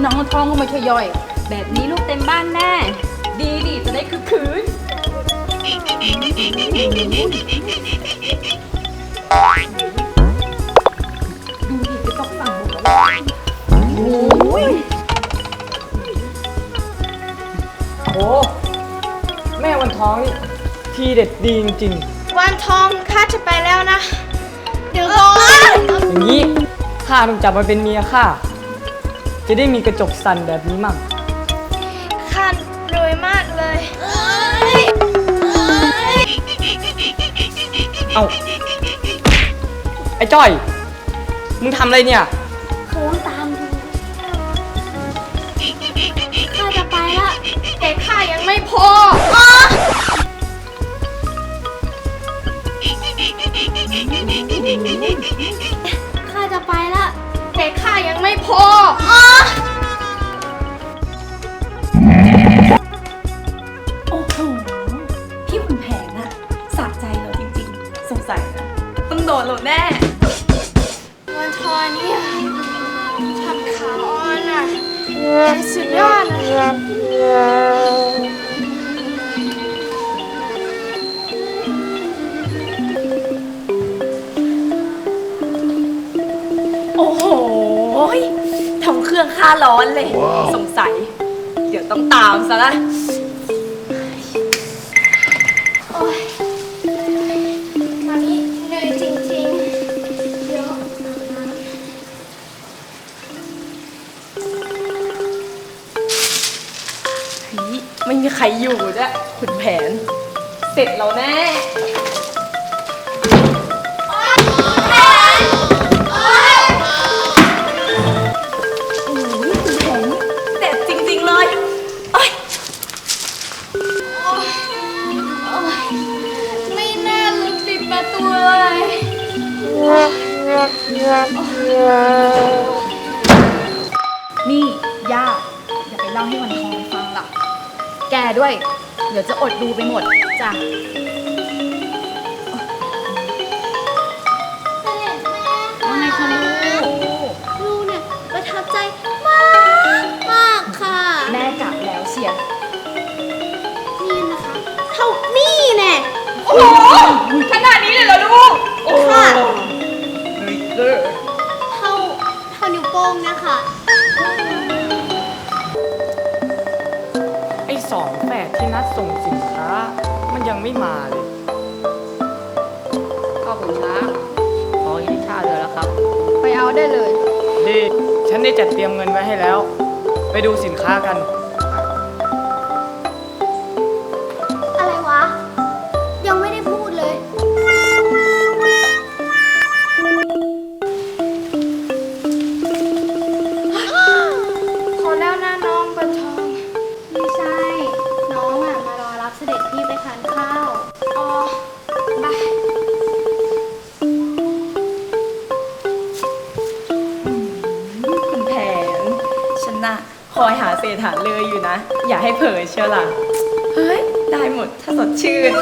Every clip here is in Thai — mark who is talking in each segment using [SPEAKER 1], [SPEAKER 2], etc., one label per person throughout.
[SPEAKER 1] น้องท้องก็ไม่ช่วยย่อย
[SPEAKER 2] แบบนี้ลูกเต็มบ้านแน่
[SPEAKER 1] ดีจะได้คือคืนดูดิจะต้องสั่งหมดแล้ว
[SPEAKER 3] โอ้แม่วันท้องนี่ทีเด็ดดีจริง
[SPEAKER 4] วันทองข้าจะไปแล้วนะ เดี๋ยวก่อน
[SPEAKER 3] ๆอย่างนี้ข้าต้องจับมาเป็นเมียข้าจะได้มีกระจกสั่นแบบนี้มั่ง
[SPEAKER 4] ข้ารวยมากเลย
[SPEAKER 3] เอาไอ้จ้อยมึงทำอะไรเนี่ย
[SPEAKER 4] โค้งตามดูข้าจะไปละแต่ข้ายังไม่พอข้าจะไปละแต่ข้ายังไม่พอ
[SPEAKER 1] โอ้โหพี่ขุนแผนอะสะใจเราจริงๆสงสัยนะต้องโดนเราแน่
[SPEAKER 4] วันทอเนี่ยทำขาอ่อนอ่ะสุดยอดนะ
[SPEAKER 1] โอ้โหทำเครื่องค่าร้อนเลยสงสัยเดี๋ยวต้องตามซะละ
[SPEAKER 4] โอ้ยวันนี้เหนื่อยจริงๆเดี๋ยว
[SPEAKER 1] ไม่มีใครอยู่ด้วยขุนแผน เสร็จแล้วแน่โอ้ยขุนแผนเด็ดจริงๆเลยโอ๊ย
[SPEAKER 4] ไม่น่าลืมปิดประตูเลย
[SPEAKER 1] นี่ย่าอย่าไปเล่าให้วันทองฟังล่ะ แกด้วย เดี๋ยวจะอดดูไปหมดจ้ะว่าไงคะลูก
[SPEAKER 4] ลูกเนี่ยประทับใจมากมากค่ะ
[SPEAKER 1] แม่กลับแล้วเชียร์
[SPEAKER 4] นี่นะคะเท่านี่แน่
[SPEAKER 1] โอ้โหขนาดนี้เลยเหรอลูก
[SPEAKER 4] ค่ะ
[SPEAKER 1] เลิศ
[SPEAKER 4] เท่านิ้วโป้งเนี่ยค่ะ
[SPEAKER 3] ไอ้สองแฝดที่นัดส่งสินค้ามันยังไม่มาเลย
[SPEAKER 2] ก็ผมช้าขอยินชาเดือนแล้วครับ
[SPEAKER 1] ไปเอาได้เลย
[SPEAKER 3] ดีฉันได้จัดเตรียมเงินไว้ให้แล้ว ไปดูสินค้ากัน
[SPEAKER 4] อะไรวะ ยังไม่ได้พูดเลย ขอแล้วนะน้องบันทองไม่ใช่ น้องอ่ะมารอรับเสด็จพี่ไปทานข้าว อ๋อไป
[SPEAKER 1] ขุนแผน ฉันน่ะคอยหาเศษหาเลยอยู่นะ อย่าให้เผลอเชียวล่ะ เฮ้ย ได้หมดถ้าสดชื่น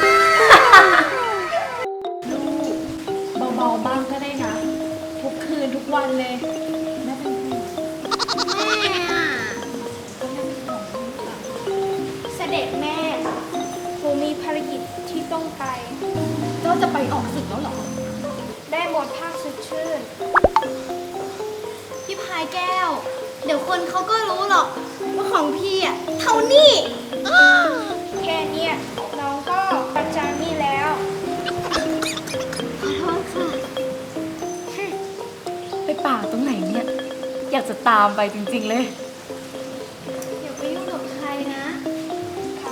[SPEAKER 1] เบาๆบ้างก็ได้นะ ทุกคืนทุกวันเลยไม่เป็นไร
[SPEAKER 4] แม่อ่ะเสด็จแม่หนูมีภารกิจที่ต้องไป
[SPEAKER 1] เจ้าจะไปออกศึกแล้วเหรอ
[SPEAKER 4] ได้หมดภาคสดชื่น พี่พายแก้ว เดี๋ยวคนเขาก็รู้หรอกว่าของพี่อ่ะเท่านี้แค่เนี้ยน้องก็ประจานนี่แล้ว ขอโทษค่ะ
[SPEAKER 1] ไปป่าตรงไหนเนี่ย อยากจะตามไปจริงๆเลย
[SPEAKER 4] อย่าไปยุ่งกับใครนะ ครับ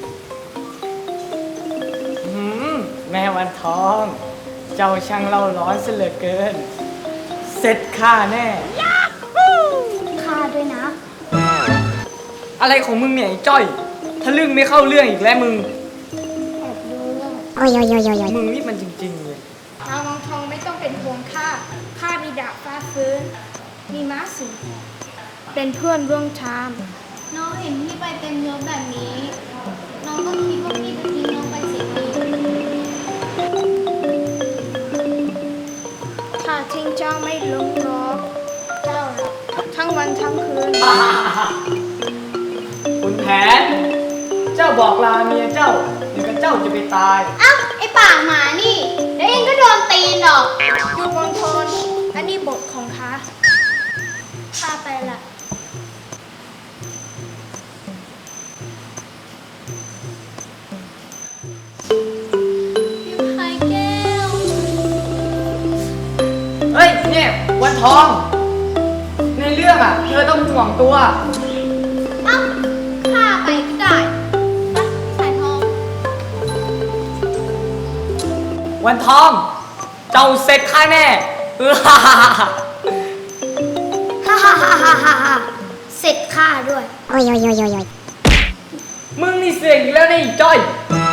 [SPEAKER 3] แม่วันทอง เจ้าช่างเล่าร้อนเสียเหลือเกิน เสร็จข้าแน่
[SPEAKER 4] ค่าด้วยนะ
[SPEAKER 3] อะไรของมึงเนี่ยไอ้จ้อยทะลึ่งไม่เข้าเรื่องอีกแล้วมึง
[SPEAKER 4] แอบดูเรื่อง
[SPEAKER 3] มึงนี่มันจริงๆเลย
[SPEAKER 4] น้องทองไม่ต้องเป็นห่วงข้า ข้ามีดาบฟ้าฟื้น มีม้าสูงเป็นเพื่อนร่วมทางน้องเห็นพี่ไปเต็มยศแบบนี้ น้องก็คิดว่าพี่จะทิ้งน้องไปเสียทีข้าทิ้งเจ้าไม่ลงหรอก เจ้าทั้งวันทั้งคืน
[SPEAKER 3] คุณแผน เจ้าบอกลาเมียเจ้าเดี๋ยวกับเจ้าจะไปตาย
[SPEAKER 4] เอ้าไอ้ปากหมานี่เดี๋ยวเองก็โดนตีนหรอกหยุดมณฑลอันนี้บทของข้าข้าไปละพี่พายแก้ว
[SPEAKER 3] เฮ้ยเนี่ยวันทอง ในเรื่องอ่ะ เธอต้องห่วงตัว
[SPEAKER 4] เอ้าข้าไปก็ได้ไปพี่สายทอง
[SPEAKER 3] วันทอง เจ้าเสร็จข้าแน่
[SPEAKER 4] ฮ่าฮ่าฮ่าฮ่าฮ่าฮ่าเสร็จข้าด้วย
[SPEAKER 3] มึงนี่เสียงอีกแล้วนี่จ้อย
[SPEAKER 4] เ